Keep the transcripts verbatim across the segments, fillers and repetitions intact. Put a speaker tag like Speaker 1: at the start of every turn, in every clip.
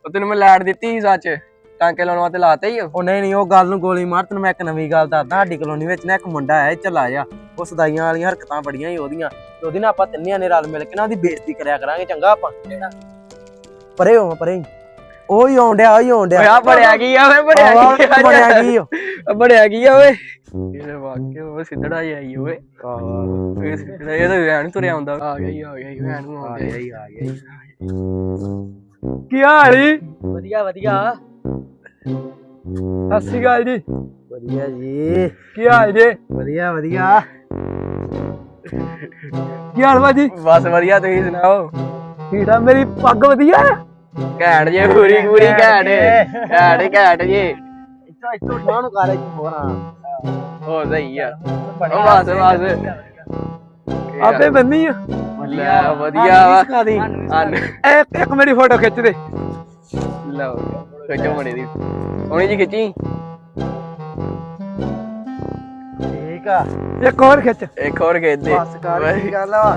Speaker 1: ਤੈਨੂੰ ਮੈਂ ਲੈਟ ਦਿੱਤੀ ਸੀ ਸੱਚ ਟਾਂਕੇ ਲਾਉਣ ਵਾਸਤੇ ਲਾਤੇ ਹੀ
Speaker 2: ਉਹ ਨਹੀਂ ਨਹੀਂ ਉਹ ਗੱਲ ਨੂੰ ਗੋਲੀ ਮਾਰ। ਤੈਨੂੰ ਮੈਂ ਇੱਕ ਨਵੀਂ ਗੱਲ ਦੱਸਦਾ। ਸਾਡੀ ਕਲੋਨੀ ਵਿੱਚ ਨਾ ਇੱਕ ਮੁੰਡਾ ਆਇਆ ਚੱਲਾ ਜਾ, ਉਹ ਸਦਾਈਆਂ ਵਾਲੀਆਂ ਹਰਕਤਾਂ ਬੜੀਆਂ ਹੀ ਉਹਦੀਆਂ, ਤੇ ਉਹਦੀ ਨਾ ਆਪਾਂ ਤਿੰਨਿਆਂ ਨੇ ਰਲ ਮਿਲ ਕੇ ਨਾ ਉਹਦੀ ਬੇਇੱਜ਼ਤੀ ਕਰਿਆ ਕਰਾਂਗੇ। ਚੰਗਾ ਆਪਾਂ ਪਰੇ ਹੋ ਪਰੇ ਉਹ ਹੀ ਆਉਣ ਡਿਆ, ਉਹ ਹੀ ਆਉਣ ਡਿਆ।
Speaker 1: ਬੜਿਆ ਕੀ ਆ ਓਏ ਬੜਿਆ ਕੀ
Speaker 2: ਬੜਿਆ ਕੀ
Speaker 1: ਬੜਿਆ ਕੀ ਆ ਓਏ ਇਹ ਵਾਕਿਆ ਉਹ ਸਿੱਧੜਾ ਹੀ ਆਈ ਓਏ ਇਹ ਤਾਂ ਵੈਣ ਤੁਰਿਆ ਆਉਂਦਾ। ਆ ਗਿਆ ਹੀ ਆ ਗਿਆ ਹੀ ਵੈਣ ਨੂੰ ਆ ਗਿਆ ਹੀ ਆ ਗਿਆ
Speaker 2: ਕੀ ਹਾਲ ਜੀ?
Speaker 1: ਵਧੀਆ ਵਧੀਆ
Speaker 2: ਸਤਿ ਸ਼੍ਰੀ ਅਕਾਲ ਜੀ। ਵਧੀਆ ਜੀ।
Speaker 1: ਕੀ ਹਾਲ ਜੀ?
Speaker 2: ਵਧੀਆ ਵਧੀਆ। ਕੀ ਹਾਲ ਭਾਜੀ?
Speaker 1: ਬਸ ਵਧੀਆ ਤੁਸੀਂ ਸੁਣਾਓ।
Speaker 2: ਠੀਕ ਆ। ਮੇਰੀ ਪੱਗ ਵਧੀਆ ਆ
Speaker 1: ਘੈਂਟ ਜੇ ਪੂਰੀ ਪੂਰੀ ਘੈਂਟ ਘੈਂਟ ਘੈਂਟ ਜੀ।
Speaker 2: ਇੱਥੋਂ ਇੱਥੋਂ ਠਾਹ ਨੂੰ ਕਰ ਹੋਰਾਂ
Speaker 1: ਹੋ ਸਹੀ ਆ ਬਸ ਬਸ
Speaker 2: ਆਪੇ ਬੰਨੀ ਆ
Speaker 1: ਲੈ ਵਧੀਆ ਵਾ
Speaker 2: ਇੱਕ ਇੱਕ ਮੇਰੀ ਫੋਟੋ ਖਿੱਚ ਦੇ।
Speaker 1: ਲਓ ਖਿੱਚੋ ਮੜੀ ਦੀ ਸੋਹਣੀ ਜੀ ਖਿੱਚੀ।
Speaker 2: ਠੀਕ ਆ ਇੱਕ ਹੋਰ ਖਿੱਚ।
Speaker 1: ਇੱਕ ਹੋਰ ਖਿੱਚ ਦੇ
Speaker 2: ਬਸ ਕਰ ਕੀ ਗੱਲ ਆ।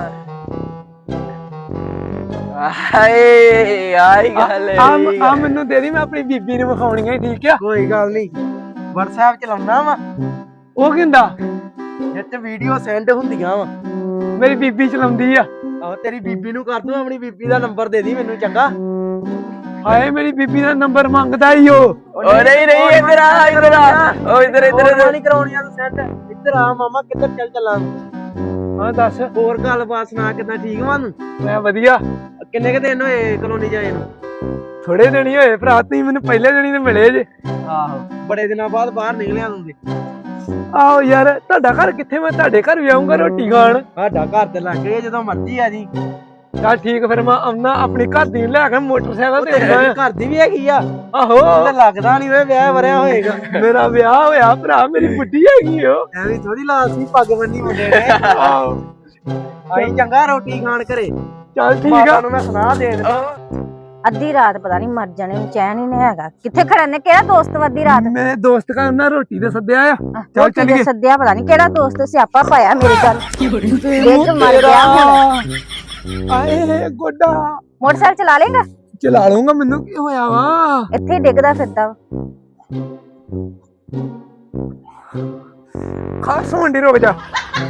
Speaker 1: ਹਾਏ ਆਈ ਗੱਲ
Speaker 2: ਆ ਮੈਨੂੰ ਦੇ ਦੀ, ਮੈਂ ਆਪਣੀ ਬੀਬੀ ਨੂੰ ਵਿਖਾਉਣੀ ਆ। ਠੀਕ ਆ ਕੋਈ ਗੱਲ ਨਹੀਂ। WhatsApp ਚਲਾਉਣਾ ਵਾ ਉਹ ਕਹਿੰਦਾ ਜਿੱਥੇ ਵੀਡੀਓ ਸੈਂਡ ਹੁੰਦੀਆਂ ਵਾ ਮੇਰੀ ਬੀਬੀ ਚਲਾਉਂਦੀ ਆ। ਆਹ ਤੇਰੀ ਬੀਬੀ ਨੂੰ ਕਰ ਦੂੰ, ਆਪਣੀ ਬੀਬੀ ਦਾ ਨੰਬਰ ਦੇ ਦੀ ਮੈਨੂੰ। ਚੰਗਾ ਹਾਏ ਮੇਰੀ ਬੀਬੀ ਦਾ ਨੰਬਰ ਮੰਗਦਾ ਈ ਉਹ।
Speaker 1: ਓ ਨਹੀਂ ਨਹੀਂ ਇੱਧਰ ਆ ਇੱਧਰ ਆ ਓ ਇੱਧਰ ਇੱਧਰ
Speaker 2: ਨਹੀਂ ਕਰਾਉਣੀ ਆ ਤੂੰ ਸੈਂਡ। ਇੱਧਰ ਆ ਮਾਮਾ, ਕਿੱਧਰ ਚੱਲ ਚੱਲਾਂ। ਹਾਂ ਦੱਸ ਹੋਰ ਗੱਲਬਾਤ ਸੁਣਾ, ਕਿੱਦਾਂ ਠੀਕ ਵਾ ਨੂੰ? ਮੈਂ ਵਧੀਆ। ਕਿੰਨੇ ਕੁ ਦਿਨ ਹੋਏ ਕਲੋਨੀ ਜਾਏ ਨੂੰ? ਥੋੜੇ ਦਿਨ ਹੀ ਹੋਏ ਭਰਾ, ਤੁਸੀਂ ਮੈਨੂੰ ਪਹਿਲੇ ਦਿਨ ਹੀ ਮਿਲੇ ਜੇ। ਆਹੋ ਬੜੇ ਦਿਨਾਂ ਬਾਅਦ ਬਾਹਰ ਨਿਕਲਿਆ ਤੂੰ ਤੇ। ਆਹੋ ਯਾਰ ਤੁਹਾਡਾ ਘਰ ਕਿੱਥੇ? ਮੈਂ ਤੁਹਾਡੇ ਘਰ ਵੀ ਆਉਂਗਾ ਰੋਟੀ ਖਾਣ। ਸਾਡਾ ਘਰ ਤੇ ਲੱਗੇ ਜਦੋਂ ਮਰਜ਼ੀ ਆ ਜੀ। ਚੱਲ ਠੀਕ ਫਿਰ ਮੈਂ ਆਉਣਾ, ਆਪਣੀ ਘਰ ਦੀ ਲੈ ਕੇ ਮੋਟਰਸਾਈਕਲ ਤੇ। ਘਰ ਦੀ ਵੀ ਹੈਗੀ ਆ? ਆਹੋ ਲੱਗਦਾ ਨੀ ਵੇ ਵਿਆਹ ਵਰਿਆ ਹੋਏਗਾ। ਮੇਰਾ ਵਿਆਹ ਹੋਇਆ ਭਰਾ, ਮੇਰੀ ਬੁੱਢੀ ਹੈਗੀ ਉਹ। ਐਵੇਂ ਥੋੜੀ ਲਾਲ ਸੀ ਪੱਗ ਬੰਨੀ ਮੁੰਡੇ ਨੇ। ਆਹੋ ਆਈ ਚੰਗਾ ਰੋਟੀ ਖਾਣ ਘਰੇ। ਚੱਲ ਠੀਕ ਆ, ਮੈਂ ਸੁਣਾ ਦੇ
Speaker 3: ਅੱਧੀ ਰਾਤ ਪਤਾ ਨਹੀਂ ਮਰ ਜਾਣੇ ਨੂੰ ਚੈਨ ਹੀ ਨਹੀਂ ਹੈਗਾ। ਕਿੱਥੇ ਖੜਨ ਨੇ? ਕਿਹੜਾ ਦੋਸਤ ਅੱਧੀ ਰਾਤ?
Speaker 2: ਮੇਰੇ ਦੋਸਤ ਕਾ ਉਹਨਾਂ ਰੋਟੀ ਤੇ ਸੱਦਿਆ ਆ। ਚੱਲ ਚੱਲੀਏ।
Speaker 3: ਸੱਦਿਆ ਪਤਾ ਨਹੀਂ ਕਿਹੜਾ ਦੋਸਤ ਸਿਆਪਾ ਪਾਇਆ ਮੇਰੇ ਗੱਲ। ਦੇਖ ਮਰ ਗਿਆ ਹੁਣ।
Speaker 2: ਆਏ ਗੋਡਾ
Speaker 3: ਮੋਟਰਸਾਈਕਲ ਚਲਾ ਲੇਗਾ?
Speaker 2: ਚਲਾ ਲੂੰਗਾ। ਮੈਨੂੰ ਕੀ ਹੋਇਆ ਵਾ?
Speaker 3: ਇੱਥੇ ਡਿੱਗਦਾ ਫਿਰਦਾ ਵਾ।
Speaker 2: ਖਾਸ ਮੰਡੀ ਰੁਕ ਜਾ।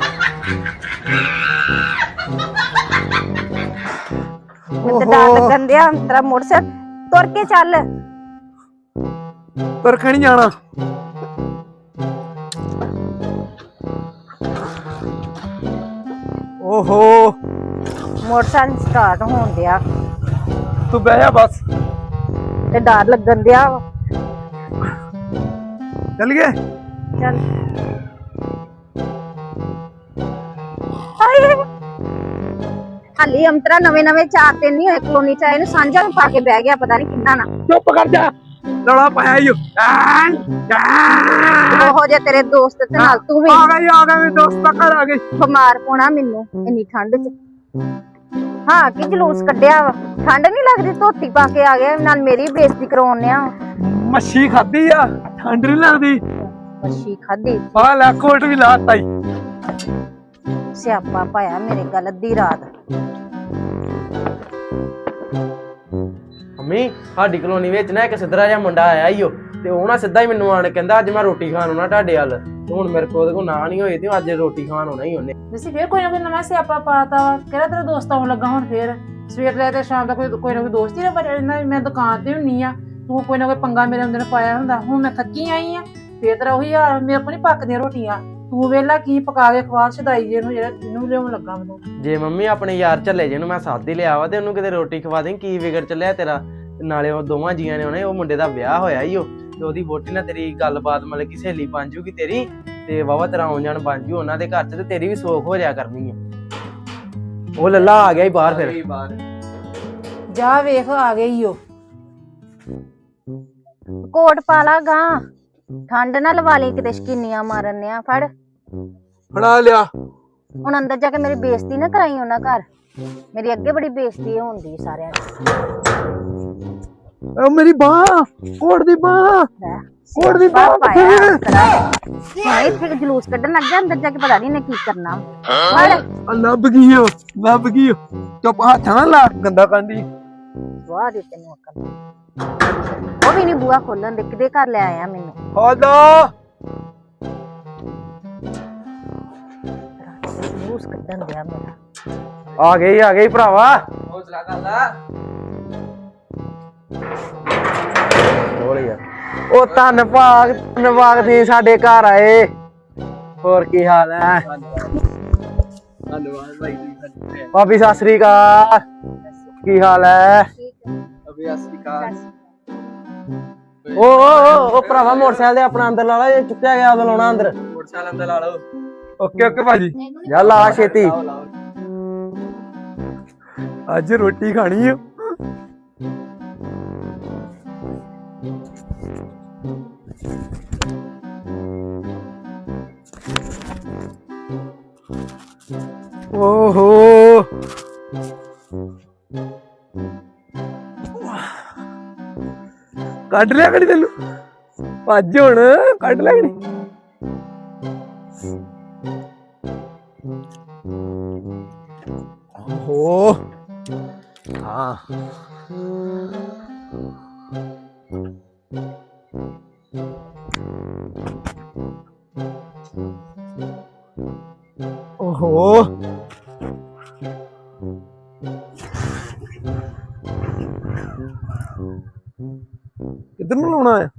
Speaker 3: ਮੈਨੂੰ ਤਾਂ ਡਰ ਲੱਗਣ ਦਿਆ। ਤੇਰਾ ਮੋਟਰਸਾਈਕਲ ਤੁਰ ਕੇ ਚੱਲ।
Speaker 2: ਤੁਰ ਕੇ ਨੀ ਜਾਣਾ। ਓਹੋ
Speaker 3: ਮੋਟਰਸਾਈਕਲ ਸਟਾਰਟ ਹੋਣ ਦਿਆ।
Speaker 2: ਤੂੰ ਬਹਿ ਜਾ ਬਸ।
Speaker 3: ਤੇ ਡਰ ਲੱਗਣ ਦਿਆ ਵਾ।
Speaker 2: ਚੱਲ ਗਏ।
Speaker 3: ਚੱਲ ਹਾਏ ਹਾਲੀ ਅੰਤਰਾ ਨਵੇਂ ਨਵੇਂ ਚਾਰ ਦਿਨ ਨਹੀਂ ਹੋਏ ਕਲੋਨੀ ਚ ਆਏ ਨੂੰ। ਸਾਂਝਾ ਨੂੰ ਪਾ ਕੇ ਬਹਿ ਗਿਆ ਪਤਾ ਨਹੀਂ ਕਿੰਨਾ ਨਾ।
Speaker 2: ਚੁੱਪ ਕਰ ਜਾ। ਲੜਾ ਪਾਇਆ ਈ।
Speaker 3: ਉਹੋ ਜੇ ਤੇਰੇ ਦੋਸਤ ਤੇ ਨਾਲ ਤੂੰ ਵੀ
Speaker 2: ਆ ਗਈ ਆ ਗਈ ਮੇਰੇ ਦੋਸਤ ਦਾ ਘਰ ਆ ਗਈ।
Speaker 3: ਬਿਮਾਰ ਹੋਣਾ ਮੈਨੂੰ ਇੰਨੀ ਠੰਡ ਚ। ਹਾਂ ਕੀ ਜਲੂਸ ਕੱਢਿਆ ਵਾ? ਠੰਡ ਨਹੀਂ ਲੱਗਦੀ? ਧੋਤੀ ਪਾ ਕੇ ਆ ਗਿਆ ਨਾਲ ਮੇਰੀ ਬੇਇੱਜ਼ਤੀ ਕਰਾਉਣੇ ਆ।
Speaker 2: ਮੱਛੀ ਖਾਧੀ ਆ, ਠੰਡ ਨਹੀਂ ਲੱਗਦੀ।
Speaker 3: ਮੱਛੀ ਖਾਧੀ?
Speaker 2: ਆ ਲੈ ਕੋਟ ਵੀ ਲਾਤਾ ਈ।
Speaker 3: ਸਿਆਪਾ ਪਾਇਆ ਮੇਰੇ ਗੱਲ ਅੱਧੀ ਰਾਤ।
Speaker 2: ਮੰਮੀ ਸਾਡੀ ਕਲੋਨੀ ਵਿੱਚ ਨਾ ਇੱਕ ਸਿੱਧਰਾ ਜਿਹਾ ਮੁੰਡਾ ਆਇਆ ਈ ਉਹ, ਤੇ ਉਹ ਨਾ ਸਿੱਧਾ ਹੀ ਮੈਨੂੰ ਆਣ ਕਹਿੰਦਾ ਅੱਜ ਮੈਂ ਰੋਟੀ ਖਾਣ ਆਉਣਾ ਤੁਹਾਡੇ ਵੱਲ। ਤੇ ਹੁਣ ਮੇਰੇ ਕੋਲ ਉਹਦੇ ਕੋਲ ਨਾ ਨਹੀਂ ਹੋਏ ਤੇ ਅੱਜ ਰੋਟੀ ਖਾਣ ਆਉਣਾ ਹੀ ਉਹਨੇ।
Speaker 4: ਤੁਸੀਂ ਫੇਰ ਕੋਈ ਨਾ ਕੋਈ ਨਵਾਂ ਸਿਆਪਾ ਪਾਤਾ ਵਾ। ਕਿਹੜਾ ਤੇਰਾ ਦੋਸਤ ਆਉਣ ਲੱਗਾ ਹੁਣ ਫੇਰ? ਸਵੇਰ ਲੈ ਤੇ ਸ਼ਾਮ ਦਾ ਕੋਈ ਕੋਈ ਨਾ ਕੋਈ ਦੋਸਤ ਹੀ ਨਾ ਬਚਿਆ ਰਹਿੰਦਾ। ਮੈਂ ਦੁਕਾਨ ਤੇ ਹੁੰਨੀ ਆ, ਤੂੰ ਕੋਈ ਨਾ ਕੋਈ ਪੰਗਾ ਮੇਰੇ ਅੰਦਰ ਪਾਇਆ ਹੁੰਦਾ। ਹੁਣ ਮੈਂ ਥੱਕੀ ਆਈ ਆ ਫੇਰ ਤੇਰਾ ਉਹੀ ਹਾਲ। ਮੇਰੇ ਕੋਲ ਨੀ ਪੱਕਦੀਆਂ ਰੋਟੀਆਂ। ਤੂੰ ਵੇਲਾ ਕੀ ਪਕਾ ਕੇ ਖਵਾ ਛਦਾਈ ਜੇ ਨੂੰ ਜਿਹੜਾ ਇਹਨੂੰ ਲਿਆਉਣ ਲੱਗਾ ਮੈਨੂੰ।
Speaker 2: ਜੇ ਮੰਮੀ ਆਪਣੇ ਯਾਰ ਝੱਲੇ ਜੇ ਨੂੰ ਮੈਂ ਸਾਥ ਹੀ ਲਿਆ ਵਾ ਤੇ ਉਹਨੂੰ ਕਿਤੇ ਰੋਟੀ ਖਵਾ ਦੇ। ਕੀ ਵਿਗੜ ਚੱਲਿਆ ਤੇਰਾ? ਨਾਲੇ ਉਹ ਦੋਵਾਂ ਜੀਆਂ ਨੇ ਉਹਨੇ ਉਹ ਮੁੰਡੇ ਦਾ ਵਿਆਹ ਹੋਇਆ ਈ ਉਹ, ਤੇ ਉਹਦੀ ਵੋਟੀ ਨਾਲ ਤੇਰੀ ਗੱਲਬਾਤ ਮਤਲਬ ਕਿ ਸਹੇਲੀ ਬਣ ਜੂਗੀ ਤੇਰੀ, ਤੇ ਵਾਵਾ ਤੇਰਾ ਆਉਣ ਜਾਣ ਬਣ ਜੂ ਉਹਨਾਂ ਦੇ ਘਰ ਚ, ਤੇ ਤੇਰੀ ਵੀ ਸੋਖ ਹੋ ਜਾਇਆ ਕਰਨੀ ਆ। ਉਹ ਲੱਲਾ ਆ ਗਿਆ ਈ ਬਾਹਰ। ਫਿਰ
Speaker 4: ਜਾ ਵੇਖ ਆ ਗਈ ਓ।
Speaker 3: ਕੋਟ ਪਾ ਲਾ ਗਾਂ, ਠੰਡ ਨਾ ਲਵਾ ਲਈ ਕਿਤੇ ਸ਼ਕੀਨੀਆਂ ਮਾਰਨ ਆ। ਫੜ
Speaker 2: ਫੜਾ ਲਿਆ।
Speaker 3: ਹੁਣ ਅੰਦਰ ਜਾ ਕੇ ਮੇਰੀ ਬੇਇੱਜ਼ਤੀ ਨਾ ਕਰਾਈ ਉਹਨਾਂ ਘਰ। ਮੇਰੀ ਅੱਗੇ ਬੜੀ ਬੇਇੱਜ਼ਤੀ ਹੁੰਦੀ ਸਾਰਿਆਂ
Speaker 2: ਦੀ। ਮੇਰੀ ਬਾਹ, ਕੋਟ ਦੀ ਬਾਹ, ਕੋਟ ਦੀ ਬਾਹ।
Speaker 3: ਇੱਥੇ ਜਲੂਸ ਕੱਢਣ ਲੱਗ ਗਿਆ। ਅੰਦਰ ਜਾ ਕੇ ਪਤਾ ਨਹੀਂ ਨੇ ਕੀ ਕਰਨਾ।
Speaker 2: ਲੱਭ ਗਈ ਲੱਭ ਗਈ। ਚੁੱਪ ਹੱਥ ਨਾ ਲਾ, ਗੰਦਾ ਕੰਦੀ।
Speaker 3: ਦਵਾ ਦੇ ਤੈਨੂੰ ਅਕਲ ਉਹ ਵੀ ਨਹੀਂ ਬੂਆ ਖੋਲਣ ਦੇ ਕਿਹਦੇ ਘਰ ਲੈ ਆਇਆ ਮੈਨੂੰ
Speaker 2: ਖੋਲੋ
Speaker 3: ਜਲੂਸ ਕੱਢਣ ਦਿਆ ਮੇਰਾ
Speaker 2: ਆ ਗਈ ਆ ਗਈ ਭਰਾਵਾ
Speaker 1: ਹੌਸਲਾ ਕਰ ਲਾ
Speaker 2: ਬੋਲ ਯਾਰ ਉਹ ਧੰਨ ਭਾਗ ਧੰਨਵਾਦ ਦੀ ਸਾਡੇ ਘਰ ਆਏ ਹੋਰ ਕੀ ਹਾਲ ਹੈ
Speaker 1: ਧੰਨਵਾਦ ਭਾਈ ਜੀ ਸਾਡੇ
Speaker 2: ਭਾਬੀ ਸਤਿ ਸ੍ਰੀ ਅਕਾਲ ਕੀ ਹਾਲ ਹੈ
Speaker 1: ਅਬੇ ਅਸਲੀ ਕਾਰ
Speaker 2: ਓ ਓ ਓ ਉਹ ਭਰਾਵਾ ਮੋਟਰਸਾਈਕਲ ਦੇ ਆਪਣਾ ਅੰਦਰ ਲਾ ਲਾ ਇਹ ਚੁੱਕਿਆ ਗਿਆ ਉਦੋਂ ਲਾਉਣਾ ਅੰਦਰ
Speaker 1: ਮੋਟਰਸਾਈਕਲ ਅੰਦਰ ਲਾ ਲਓ
Speaker 2: ਓਕੇ ਓਕੇ ਭਾਜੀ ਜਾ ਲਾ ਛੇਤੀ
Speaker 1: ਲਾਓ ਲਾਓ
Speaker 2: ਅੱਜ ਰੋਟੀ ਖਾਣੀ ਆ ਓਹੋ ਕੱਢ ਲਿਆ ਕੜੀ ਤੈਨੂੰ ਭੱਜ ਹੁਣ ਕੱਢ ਲਿਆ ਕੜੀ ਓਹੋ ਹਾਂ ਓਹੋ ਕਿੱਧਰ ਨੂੰ ਲਾਉਣਾ ਹੈ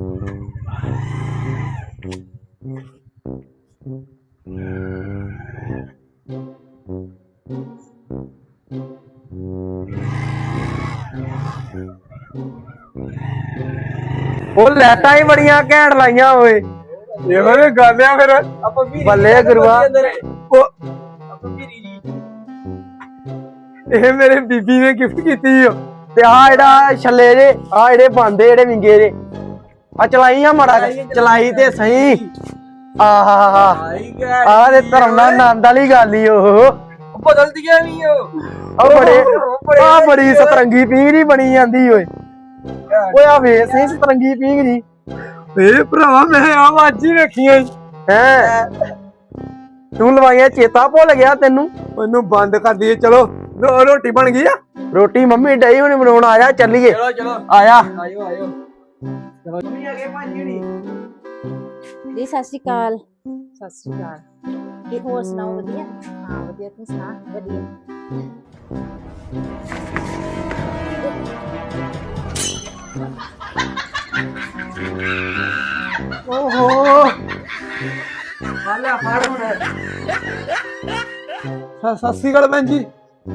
Speaker 2: ਉਹ ਲੈਟਾਂ ਹੀ ਬੜੀਆਂ ਘੈਂਟ ਲਾਈਆਂ ਓਏ ਇਹੋ ਜਿਹੀ ਗੱਲ ਆ ਫਿਰ
Speaker 1: ਆਪਾਂ ਵੀ
Speaker 2: ਬੱਲੇ ਗੁਰੂਆ ਉਹ
Speaker 1: ਆਪਾਂ ਵੀ ਰੀ
Speaker 2: ਇਹ ਮੇਰੇ ਬੀਬੀ ਨੇ ਗਿਫਟ ਕੀਤੀ ਓ ਤੇ ਆ ਜਿਹੜਾ ਛੱਲੇ ਜੇ ਆ ਜਿਹੜੇ ਬੰਦੇ ਜਿਹੜੇ ਵਿੰਗੇ ਜੇ ਆ ਚਲਾਈ ਆ ਮਾੜਾ ਚਲਾਈ ਤੇ ਸਹੀ ਆਹਾ
Speaker 1: ਆਈ ਗਿਆ
Speaker 2: ਆ ਦੇ ਧਰਮ ਨਾਲ ਆਨੰਦ ਵਾਲੀ ਗੱਲ ਈ ਉਹ
Speaker 1: ਬਦਲਦੀਆਂ ਨਹੀਂ ਉਹ
Speaker 2: ਆ ਬੜੇ ਆ ਬੜੀ ਸਤਰੰਗੀ ਪੀਂਘ ਜੀ ਬਣੀ ਜਾਂਦੀ ਓਏ ਓਏ ਆ ਵੇਖ ਸਹੀ ਸਤਰੰਗੀ ਪੀਂਘ ਜੀ ਏ ਭਰਾਵਾ ਮੈਂ ਆ ਅੱਜ ਹੀ ਵੇਖੀਆਂ ਹੈ ਤੂੰ ਲਵਾਈਆਂ ਚੇਤਾ ਭੁੱਲ ਗਿਆ ਤੈਨੂੰ ਉਹਨੂੰ ਬੰਦ ਕਰ ਦਈਏ ਚਲੋ ਰੋਟੀ ਬਣ ਗਈ ਆ ਰੋਟੀ ਮੰਮੀ ਡਈ ਹੁਣੇ ਬਣਾਉਣ ਆਇਆ ਚੱਲੀਏ
Speaker 1: ਚਲੋ ਚਲੋ
Speaker 2: ਆਇਆ
Speaker 1: ਆਇਓ ਆਇਓ ਚਲੋ ਮੰਮੀ ਆ ਗਏ ਭਾਜੀ ਹੁਣੀ
Speaker 3: ਜੀ ਸਤਿ ਸ਼੍ਰੀ ਅਕਾਲ
Speaker 4: ਸਤਿ ਸ਼੍ਰੀ ਅਕਾਲ
Speaker 3: ਕੀ ਹੋਰ ਸੁਣਾਓ ਵਧੀਆ
Speaker 4: ਹਾਂ ਵਧੀਆ ਤੂੰ ਸੁਣਾ
Speaker 3: ਵਧੀਆ
Speaker 2: ਓਹੋ
Speaker 1: ਹਾਲੇ ਫੜ ਹੁਣ
Speaker 2: ਸਤਿ ਸ੍ਰੀ ਅਕਾਲ ਭੈਣ ਜੀ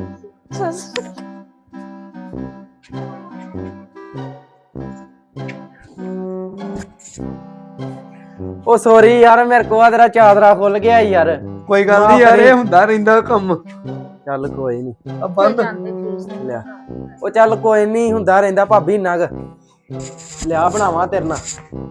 Speaker 2: ਉਹ ਸੌਰੀ ਯਾਰ ਮੇਰੇ ਕੋਲ ਆ ਤੇਰਾ ਚਾਦਰਾ ਖੁੱਲ ਗਿਆ ਯਾਰ ਕੋਈ ਗੱਲ ਨਹੀਂ ਯਾਰ ਇਹ ਹੁੰਦਾ ਰਹਿੰਦਾ ਕੰਮ ਚੱਲ ਕੋਈ ਨਹੀਂ ਆ ਬੰਦ ਲਿਆ ਉਹ ਚੱਲ ਕੋਈ ਨਹੀਂ ਹੁੰਦਾ ਰਹਿੰਦਾ ਭਾਬੀ ਨਗ ਲਿਆ ਬਣਾਵਾਂ ਤੇਰੇ ਨਾਲ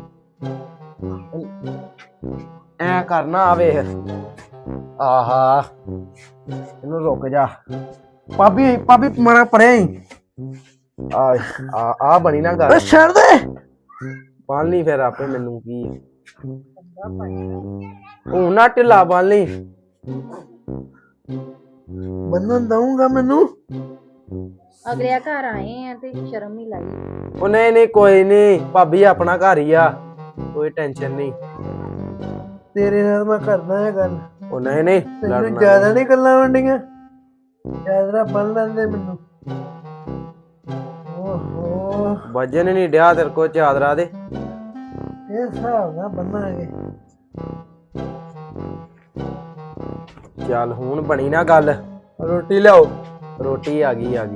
Speaker 2: ਐ ਕਰਨਾ ਆ ਵੇਖ ਆਹਾ ਇਹਨੂੰ ਰੁਕ ਜਾ ਭਾਬੀ ਭਾਬੀ ਮਾਰਾ ਪਰੇ ਆ ਆ ਆ ਬਣੀ ਨਾ ਗੱਲ ਛੱਡ ਦੇ ਪਾਲ ਨਹੀਂ ਫਿਰ ਆਪੇ ਮੈਨੂੰ ਕੀ ਉਹ ਨਾ ਢਿੱਲਾ ਪਾਲ ਨਹੀਂ ਬੰਨਣ ਦਊਂਗਾ ਮੈਨੂੰ
Speaker 3: ਅਗਲੇ ਘਰ ਆਏ ਆ ਤੇ ਸ਼ਰਮ ਨਹੀਂ ਲਾਈ
Speaker 2: ਉਹ ਨਹੀਂ ਨਹੀਂ ਕੋਈ ਨਹੀਂ ਭਾਬੀ ਆਪਣਾ ਘਰ ਹੀ ਆ ਕੋਈ ਟੈਨਸ਼ਨ ਨਹੀਂ ਤੇਰੇ ਨਾਲ ਮੈਂ ਕਰਦਾ ਹੈ ਗੱਲ ਉਹ ਨਹੀਂ ਨਹੀਂ ਤੈਨੂੰ ਜ਼ਿਆਦਾ ਨਹੀਂ ਗੱਲਾਂ ਵੰਡੀਆਂ ਚਾਦਰਾ ਬੰਨ ਲੈਂਦੇ ਮੈਨੂੰ ਓਹੋ ਵਜਨ ਨਹੀਂ ਡਿਆ ਤੇਰੇ ਕੋ ਚਾਦਰਾ ਦੇ ਇਹ ਹਿਸਾਬ ਨਾਲ ਬੰਨਾਂਗੇ ਚੱਲ ਹੁਣ ਬਣੀ ਨਾ ਗੱਲ ਰੋਟੀ ਲਿਆਓ ਰੋਟੀ ਆ ਗਈ ਆ ਗਈ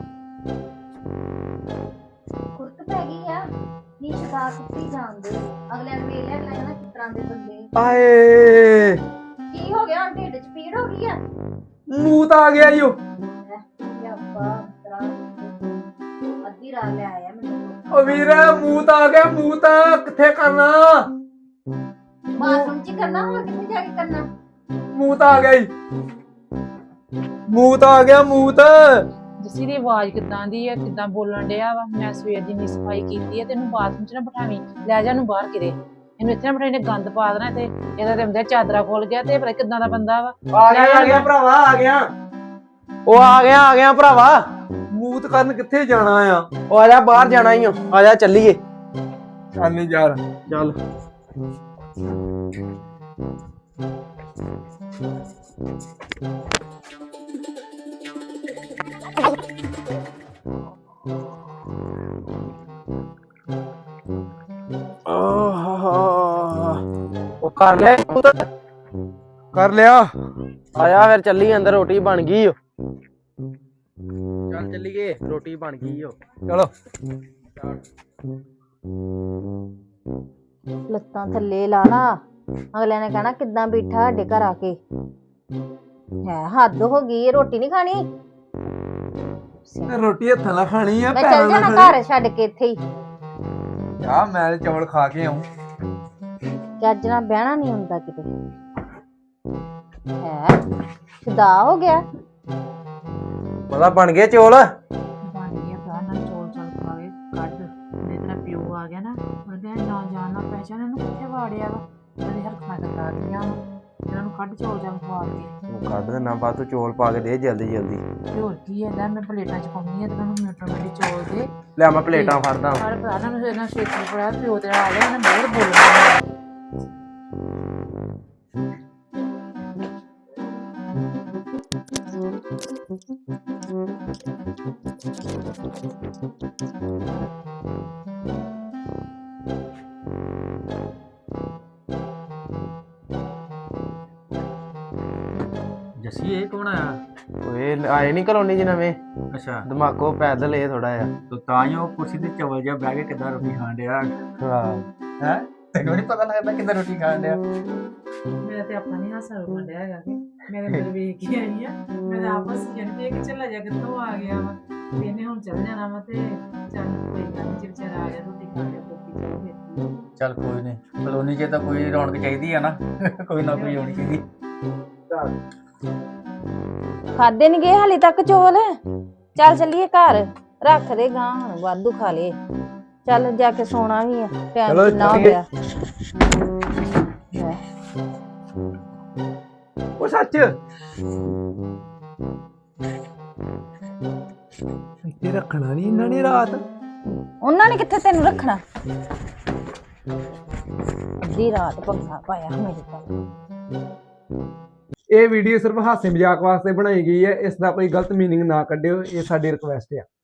Speaker 3: ਕੁੱਟ ਪੈ ਗਈ ਆ ਨੀ ਸ਼ਿਕਾਰ ਕੁੱਤੀ ਜਾਂਦੇ ਅਗਲੇ ਨੂੰ ਵੇਖ ਲਿਆ ਅਗਲਾ ਕਹਿੰਦਾ ਕਿਸ ਤਰ੍ਹਾਂ ਦੇ ਬੰਦੇ
Speaker 2: ਆਏ
Speaker 3: ਕੀ ਹੋ ਗਿਆ ਢਿੱਡ ਚ ਪੀੜ ਹੋ ਗਈ ਆ
Speaker 2: ਮੂਤ ਆ ਗਿਆ ਈਓ
Speaker 3: ਯਾਪਾ ਤਰਾ ਅੱਧੀ ਰਾਤ ਲੈ ਆਇਆ ਮੈਨੂੰ
Speaker 2: ਓ ਵੀਰ ਮੂਤ ਆ ਗਿਆ ਮੂਤ ਕਿੱਥੇ ਕਰਨਾ
Speaker 3: ਬਾਥਰੂਮ ਚ ਹੀ ਕਰਨਾ ਹੋਰ ਕਿੱਥੇ ਜਾ ਕੇ ਕਰਨਾ
Speaker 2: ਮੂਤ ਆ ਗਿਆ ਈ ਮੂਤ ਆ ਗਿਆ ਮੂਤ
Speaker 4: ਜੱਸੀ ਦੀ ਆਵਾਜ਼ ਕਿੱਦਾਂ ਦੀ ਆ ਕਿੱਦਾਂ ਬੋਲਣ ਡਿਆ ਵਾ ਮੈਂ ਸਵੇਰ ਦੀ ਨੀ ਸਫਾਈ ਕੀਤੀ ਆ ਤੈਨੂੰ ਬਾਥਰੂਮ ਚ ਨਾ ਬਿਠਾਵੀਂ ਲੈ ਜਾ ਨੂੰ ਬਾਹਰ ਕਿਰੇ ਇਹਨੂੰ ਇੱਥੇ ਨਾ ਬਿਠਾਈ ਨੇ ਗੰਦ ਪਾ ਦੇਣਾ ਤੇ ਇਹਦਾ ਤੇ ਹੁੰਦੇ ਚਾਦਰਾ ਖੋਲ ਗਿਆ ਤੇ ਪਤਾ ਕਿੱਦਾਂ ਦਾ ਬੰਦਾ ਵਾ
Speaker 2: ਆ ਗਿਆ ਆ ਗਿਆ ਭਰਾਵਾ ਆ ਗਿਆ ਉਹ ਆ ਗਿਆ ਆ ਗਿਆ ਭਰਾਵਾ ਸਬੂਤ ਕਰਨ ਕਿੱਥੇ ਜਾਣਾ ਆ?
Speaker 1: ਉਹ ਆ ਜਾ ਬਾਹਰ ਜਾਣਾ ਹੀ ਆ ਆ ਜਾ ਚੱਲੀਏ
Speaker 2: ਚੱਲ ਨੀ ਯਾਰ
Speaker 1: ਚੱਲ ਉਹ ਕਰ ਲੈ
Speaker 2: ਕਰ ਲਿਆ।
Speaker 1: ਆਇਆ ਫਿਰ ਚੱਲੀ ਅੰਦਰ ਰੋਟੀ ਬਣ ਗਈ ਓ ਚੱਲ ਚੱਲੀਏ ਰੋਟੀ ਬਣ ਗਈ ਓ
Speaker 2: ਚਲੋ
Speaker 3: ਲੱਤਾਂ ਥੱਲੇ ਲਾ ਲਾ ਅਗਲੇ ਨੇ ਕਹਿਣਾ ਕਿੱਦਾਂ ਬੈਠਾ ਸਾਡੇ ਘਰ ਆ ਕੇ ਹੈ ਹੱਦ ਹੋ ਗਈ ਰੋਟੀ ਨਹੀਂ ਖਾਣੀ
Speaker 2: ਰੋਟੀ ਹੱਥਾਂ ਨਾਲ ਖਾਣੀ ਆ
Speaker 3: ਮੈਂ ਚੱਲ ਜਾਣਾ ਘਰ ਛੱਡ ਕੇ ਇੱਥੇ ਹੀ
Speaker 2: ਆ ਮੈਂ ਚੌਲ ਖਾ ਕੇ ਆਉਂ
Speaker 3: ਚੱਜ ਨਾਲ ਬਹਿਣਾ ਨਹੀਂ ਹੁੰਦਾ ਕਿਤੇ ਹੈ ਖੁਦਾ ਹੋ ਗਿਆ
Speaker 1: ਪਤਾ ਬਣ ਗਏ ਚੌਲ
Speaker 4: ਬਣ ਗਿਆ ਭਰਾ ਨਾਲ ਚੋਲ ਚਲ ਖਾਵੇ ਕੱਢ ਮੇਰੇ ਤੇਰਾ ਪਿਓ ਆ ਗਿਆ ਨਾ ਉਹਦੇ ਨਾ ਜਾਣ ਨਾ ਪਹਿਚਾਨ ਇਹਨੂੰ ਕਿੱਥੇ ਵਾੜਿਆ ਵਾ ਉਹਦੀ ਹਰਕਤਾਂ ਕਰਦਾ ਦੀਆਂ ਇਹਨਾਂ ਨੂੰ ਕੱਢ ਚੋਲ ਚਲ ਖਵਾ ਕੇ
Speaker 1: ਕੱਢ ਦੇ ਨਾ ਬਾਅਦ ਤੂੰ ਚੌਲ ਪਾ ਕੇ ਦੇ ਜਲਦੀ ਜਲਦੀ
Speaker 4: ਤੇ ਹੋਰ ਕੀ ਹੈ ਲੈ ਮੈਂ ਪਲੇਟਾਂ ਚ ਪਾਉਂਦੀ ਆ ਤੇ ਉਹਨਾਂ ਨੂੰ ਮਿੰਟਾਂ ਮਿੰਟ ਚੋਲ ਦੇ
Speaker 1: ਲੈ ਮੈਂ ਪਲੇਟਾਂ ਫੜਦਾ
Speaker 4: ਸਾਰੇ ਭਰਾ ਨਾਲ ਇਹਨਾਂ ਛੇਤੀ ਪੜਾ ਪਿਓ ਤੇਰਾ ਆ ਗਿਆ ਇਹਨੇ ਬਹੁਤ ਬੋਲਣਾ
Speaker 5: ਜੱਸੀ ਇਹ ਕੌਣ ਆਇਆ?
Speaker 1: ਓਏ ਆਏ ਨਹੀਂ ਕਲੋਨੀ ਚ ਨਵੇਂ
Speaker 5: ਅੱਛਾ
Speaker 1: ਦਿਮਾਗੋ ਪੈਦਲ ਇਹ ਥੋੜਾ ਆ
Speaker 5: ਤੋ ਤਾਂ ਹੀ ਉਹ ਕੁਰਸੀ ਤੇ ਚਵਲ ਜਿਹਾ ਬਹਿ ਕੇ ਕਿੱਦਾਂ ਰੋਟੀ ਖਾਣ ਡਿਆ
Speaker 1: ਹਾਂ
Speaker 5: ਹੈ ਤੈਨੂੰ ਨਹੀਂ ਪਤਾ ਲੱਗਦਾ ਕਿੱਦਾਂ ਰੋਟੀ ਖਾਣ ਡਿਆ
Speaker 4: ਮੇਰਾ ਤੇ ਆਪਣਾ ਨਹੀਂ ਹਾਸਾ ਰੋਣ ਡਿਆ ਹੈਗਾ ਕਿ ਮੇਰੇ ਅੰਦਰ ਵੇਖ ਕੇ ਆਈ ਆ ਮੈਂ ਤਾਂ ਆਪਸ ਜਨ ਵੇਖ ਕੇ ਚੱਲਾ ਜਾ ਕਿੱਥੋਂ ਆ ਗਿਆ ਵਾ ਤੇ ਇਹਨੇ ਹੁਣ ਚੱਲ ਜਾਣਾ ਵਾ ਤੇ ਚੱਲ ਕੋਈ ਗੱਲ ਨਹੀਂ ਵਿਚਾਰਾ ਆ ਗਿਆ ਰੋਟੀ ਖਾ ਕੇ ਰੋਟੀ ਚਲੋ ਫਿਰ
Speaker 5: ਚੱਲ ਕੋਈ ਨਹੀਂ ਕਲੋਨੀ 'ਚ ਤਾਂ ਕੋਈ ਰੌਣਕ ਚਾਹੀਦੀ ਆ ਨਾ ਕੋਈ ਨਾ ਕੋਈ ਹੋਣੀ ਚਾਹੀਦੀ
Speaker 3: ਖਾਦੇ ਨਹੀਂ ਗਏ ਹਾਲੇ ਤੱਕ ਚੋਲ ਚੱਲ ਚੱਲੀਏ ਘਰ ਰੱਖ ਦੇ ਗਾਂ ਹੁਣ ਵਾਧੂ ਖਾ ਲਏ ਚੱਲ ਜਾ ਕੇ ਸੋਣਾ ਵੀ ਆ ਟਾਈਮ ਕਿੰਨਾ ਹੋ ਗਿਆ ਲੈ।
Speaker 2: ਉਹ ਸੱਚ ਇੱਥੇ ਰੱਖਣਾ ਨਹੀਂ ਇਹਨਾਂ ਨੇ ਰਾਤ
Speaker 3: ਉਹਨਾਂ ਨੇ ਕਿੱਥੇ ਤੈਨੂੰ ਰੱਖਣਾ ਅੱਧੀ ਰਾਤ ਪੰਗਾ ਪਾਇਆ ਮੇਰੇ ਕੋਲ
Speaker 2: ਇਹ ਵੀਡੀਓ ਸਿਰਫ ਹਾਸੇ ਮਜ਼ਾਕ ਵਾਸਤੇ ਬਣਾਈ ਗਈ ਹੈ ਇਸ ਦਾ ਕੋਈ ਗਲਤ ਮੀਨਿੰਗ ਨਾ ਕੱਢਿਓ ਇਹ ਸਾਡੀ ਰਿਕੁਐਸਟ ਹੈ